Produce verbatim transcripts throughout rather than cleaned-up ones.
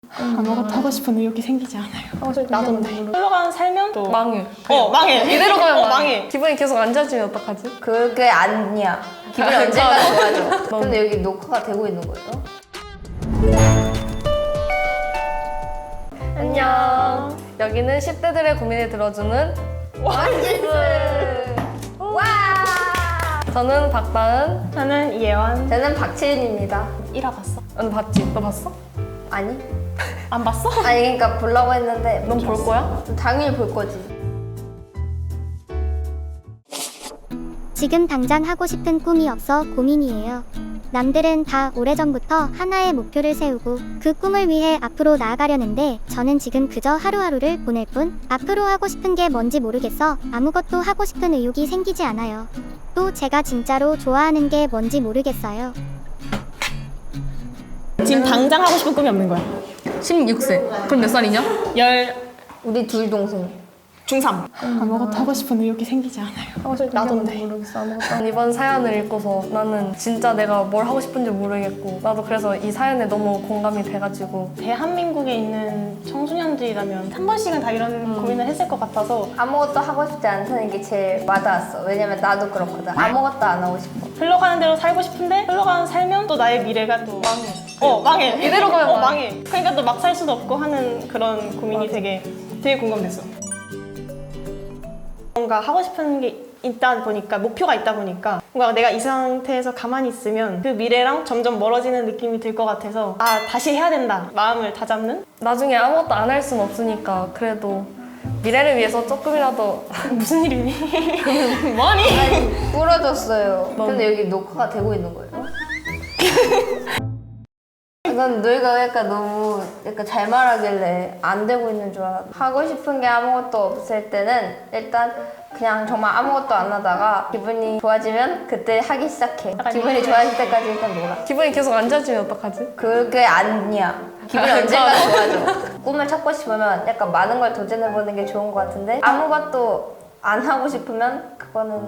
아무것도 하고 싶은 의욕이 생기지 않아요. 나도인데. 흘러가는 살면 또 망해. 어 망해. 이대로 가면 어, 망해. 망해. 기분이 계속 안 좋아지면 어떡하지? 그게 아니야. 기분이 아, 언젠가 맞아. 좋아져. 근데 여기 녹화가 되고 있는 거예요? 안녕. 여기는 십 대들의 고민을 들어주는 완진스! 와! 저는 박다은. 저는 이예원. 저는 박채윤입니다. 일 화 봤어? 너 봤지? 너 봤어? 아니? 안 봤어? 아니 그러니까 보려고 했는데 넌 볼 거야? 당연히 볼 거지. 지금 당장 하고 싶은 꿈이 없어 고민이에요. 남들은 다 오래전부터 하나의 목표를 세우고 그 꿈을 위해 앞으로 나아가려는데 저는 지금 그저 하루하루를 보낼 뿐 앞으로 하고 싶은 게 뭔지 모르겠어 아무것도 하고 싶은 의욕이 생기지 않아요. 또 제가 진짜로 좋아하는 게 뭔지 모르겠어요. 지금 당장 하고 싶은 꿈이 없는 거야. 십육 세. 그럼 몇 살이냐? 열 우리 둘 동생. 중삼. 아무것도 하고 싶은 의욕이 생기지 않아요. 나도인데. 모르겠어. 아무것도. 이번 사연을 읽고서 나는 진짜 내가 뭘 하고 싶은지 모르겠고 나도 그래서 이 사연에 너무 공감이 돼가지고 대한민국에 있는 청소년들이라면 한 번씩은 다 이런 음. 고민을 했을 것 같아서 아무것도 하고 싶지 않다는 게 제일 와닿았어. 왜냐면 나도 그렇거든. 아무것도 안 하고 싶어. 흘러가는 대로 살고 싶은데 흘러가는 살면 또 나의 미래가 또 망해. 어 망해. 이대로 가면 어, 망해. 망해. 그러니까 또 막 살 수도 없고 하는 그런 고민이 되게 되게 공감됐어. 뭔가 하고 싶은 게 있다 보니까 목표가 있다 보니까 뭔가 내가 이 상태에서 가만히 있으면 그 미래랑 점점 멀어지는 느낌이 들 것 같아서 아 다시 해야 된다 마음을 다잡는. 나중에 아무것도 안 할 순 없으니까 그래도 미래를 위해서 조금이라도 무슨 일이니? 뭐니? 아니 부러졌어요. 너무. 근데 여기 녹화가 되고 있는 거예요? 난 너희가 약간 너무 약간 잘 말하길래 안 되고 있는 줄 알았어. 하고 싶은 게 아무것도 없을 때는 일단 그냥 정말 아무것도 안 하다가 기분이 좋아지면 그때 하기 시작해. 기분이 좋아질 때까지 일단 놀아. 기분이 계속 안 좋아지면 어떡하지? 그게 아니야. 기분이 언젠가 좋아져. 꿈을 찾고 싶으면 약간 많은 걸 도전해보는 게 좋은 것 같은데 아무것도 안 하고 싶으면 그거는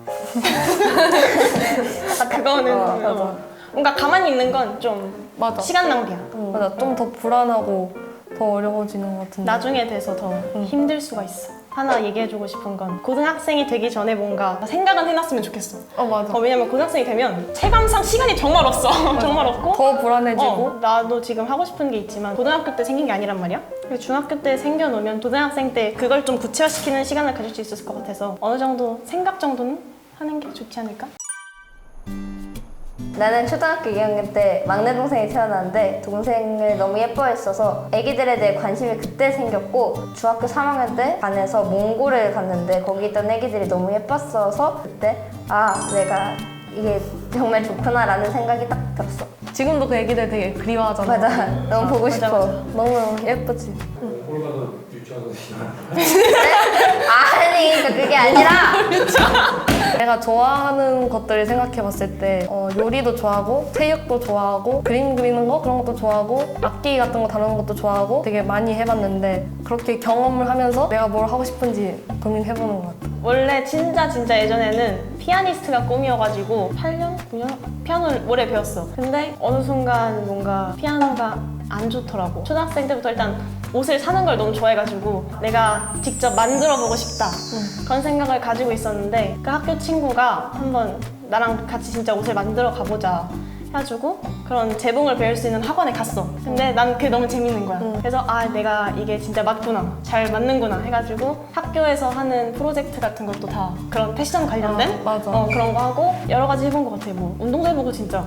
그거는 어, 어, 뭔가 가만히 있는 건 좀 맞아. 시간 낭비야. 맞아. 좀 더 불안하고 더 어려워지는 것 같은데. 나중에 돼서 더 힘들 수가 있어. 하나 얘기해주고 싶은 건 고등학생이 되기 전에 뭔가 생각은 해놨으면 좋겠어. 어 맞아. 어, 왜냐면 고등학생이 되면 체감상 시간이 정말 없어. 정말 없고 더 불안해지고. 어, 나도 지금 하고 싶은 게 있지만 고등학교 때 생긴 게 아니란 말이야. 그리고 중학교 때 생겨놓으면 고등학생 때 그걸 좀 구체화시키는 시간을 가질 수 있었을 것 같아서 어느 정도 생각 정도는 하는 게 좋지 않을까? 나는 초등학교 이 학년 때 막내 동생이 태어났는데 동생을 너무 예뻐했어서 애기들에 대해 관심이 그때 생겼고 중학교 삼 학년 때 반에서 몽골을 갔는데 거기 있던 애기들이 너무 예뻤어서 그때 아 내가 이게 정말 좋구나 라는 생각이 딱 들었어. 지금도 그 애기들 되게 그리워하잖아. 맞아. 너무 보고 맞아, 싶어. 맞아. 너무 예쁘지. 꼴 가서 유치원 가서 아니 그러니까 그게 아니라 내가 좋아하는 것들을 생각해봤을 때 어, 요리도 좋아하고 체육도 좋아하고 그림 그리는 거 그런 것도 좋아하고 악기 같은 거 다루는 것도 좋아하고 되게 많이 해봤는데 그렇게 경험을 하면서 내가 뭘 하고 싶은지 고민해보는 것 같아. 원래 진짜 진짜 예전에는 피아니스트가 꿈이어가지고 팔 년? 구 년? 피아노를 오래 배웠어. 근데 어느 순간 뭔가 피아노가 안 좋더라고. 초등학생 때부터 일단 옷을 사는 걸 너무 좋아해가지고 내가 직접 만들어보고 싶다 그런 생각을 가지고 있었는데 그 학교 친구가 한번 나랑 같이 진짜 옷을 만들어 가보자 해가지고 그런 재봉을 배울 수 있는 학원에 갔어. 근데 난 그게 너무 재밌는 거야. 그래서 아 내가 이게 진짜 맞구나 잘 맞는구나 해가지고 학교에서 하는 프로젝트 같은 것도 다 그런 패션 관련된 아, 맞아. 어, 그런 거 하고 여러 가지 해본 것 같아. 뭐 운동도 해보고 진짜.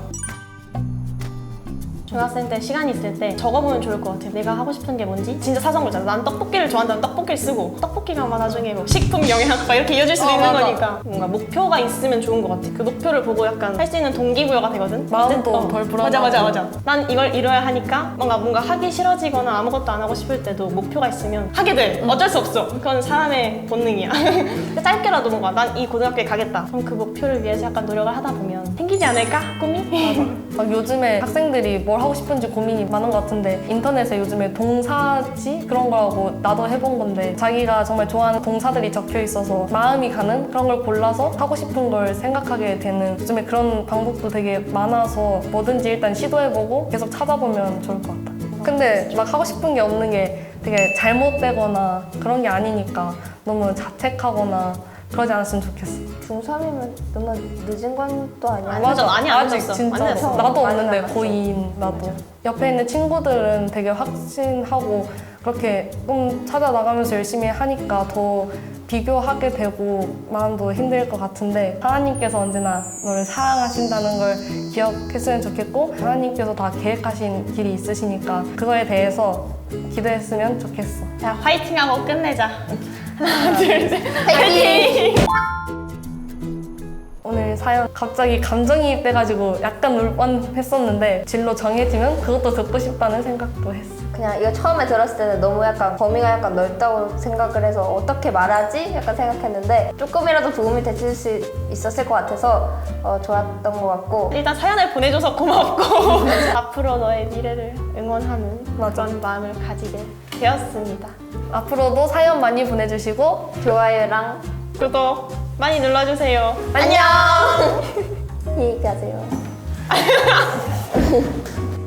중학생 때 시간이 있을 때 적어보면 좋을 것 같아. 내가 하고 싶은 게 뭔지 진짜 사소한 거잖아. 난 떡볶이를 좋아한다면 떡볶이를 쓰고 떡볶이가 아마 나중에 뭐 식품 영양학 막 이렇게 이어질 수도 어, 있는 맞아. 거니까 뭔가 목표가 있으면 좋은 것 같아. 그 목표를 보고 약간 할 수 있는 동기부여가 되거든. 마음도 어, 덜 불안하고. 맞아 맞아 맞아. 난 이걸 이뤄야 하니까 뭔가 뭔가 하기 싫어지거나 아무것도 안 하고 싶을 때도 목표가 있으면 하게 돼. 어쩔 수 없어. 그건 사람의 본능이야. 짧게라도 뭔가 난 이 고등학교에 가겠다. 그럼 그 목표를 위해서 약간 노력을 하다 보면 생기지 않을까? 꿈이? 막 요즘에 학생들이 뭘 하고 싶은지 고민이 많은 것 같은데 인터넷에 요즘에 동사지 그런 거라고 나도 해본 건데 자기가 정말 좋아하는 동사들이 적혀 있어서 마음이 가는 그런 걸 골라서 하고 싶은 걸 생각하게 되는 요즘에 그런 방법도 되게 많아서 뭐든지 일단 시도해보고 계속 찾아보면 좋을 것 같아. 근데 막 하고 싶은 게 없는 게 되게 잘못되거나 그런 게 아니니까 너무 자책하거나 그러지 않았으면 좋겠어. 중삼이면 너무 늦은 건 또 아니야. 아니, 맞아. 많이 안 아직 늦었어. 진짜 많이 늦었어. 나도 많이 없는데 남았어. 고이인 나도. 옆에 있는 친구들은 되게 확신하고 그렇게 좀 찾아나가면서 열심히 하니까 더 비교하게 되고 마음도 힘들 것 같은데 하나님께서 언제나 너를 사랑하신다는 걸 기억했으면 좋겠고 하나님께서 다 계획하신 길이 있으시니까 그거에 대해서 기도했으면 좋겠어. 자, 화이팅하고 끝내자. 하나, 둘, 셋. 화이팅! 오늘 사연 갑자기 감정이입돼가지고 약간 울 뻔했었는데 진로 정해지면 그것도 듣고 싶다는 생각도 했어. 그냥 이거 처음에 들었을 때는 너무 약간 범위가 약간 넓다고 생각을 해서 어떻게 말하지? 약간 생각했는데 조금이라도 도움이 됐을 수 있었을 것 같아서 어, 좋았던 것 같고 일단 사연을 보내줘서 고맙고 앞으로 너의 미래를 응원하는 맞아. 그런 마음을 가지게 되었습니다. 앞으로도 사연 많이 보내주시고 좋아요랑 구독 많이 눌러주세요. 안녕! 안녕히 가세요.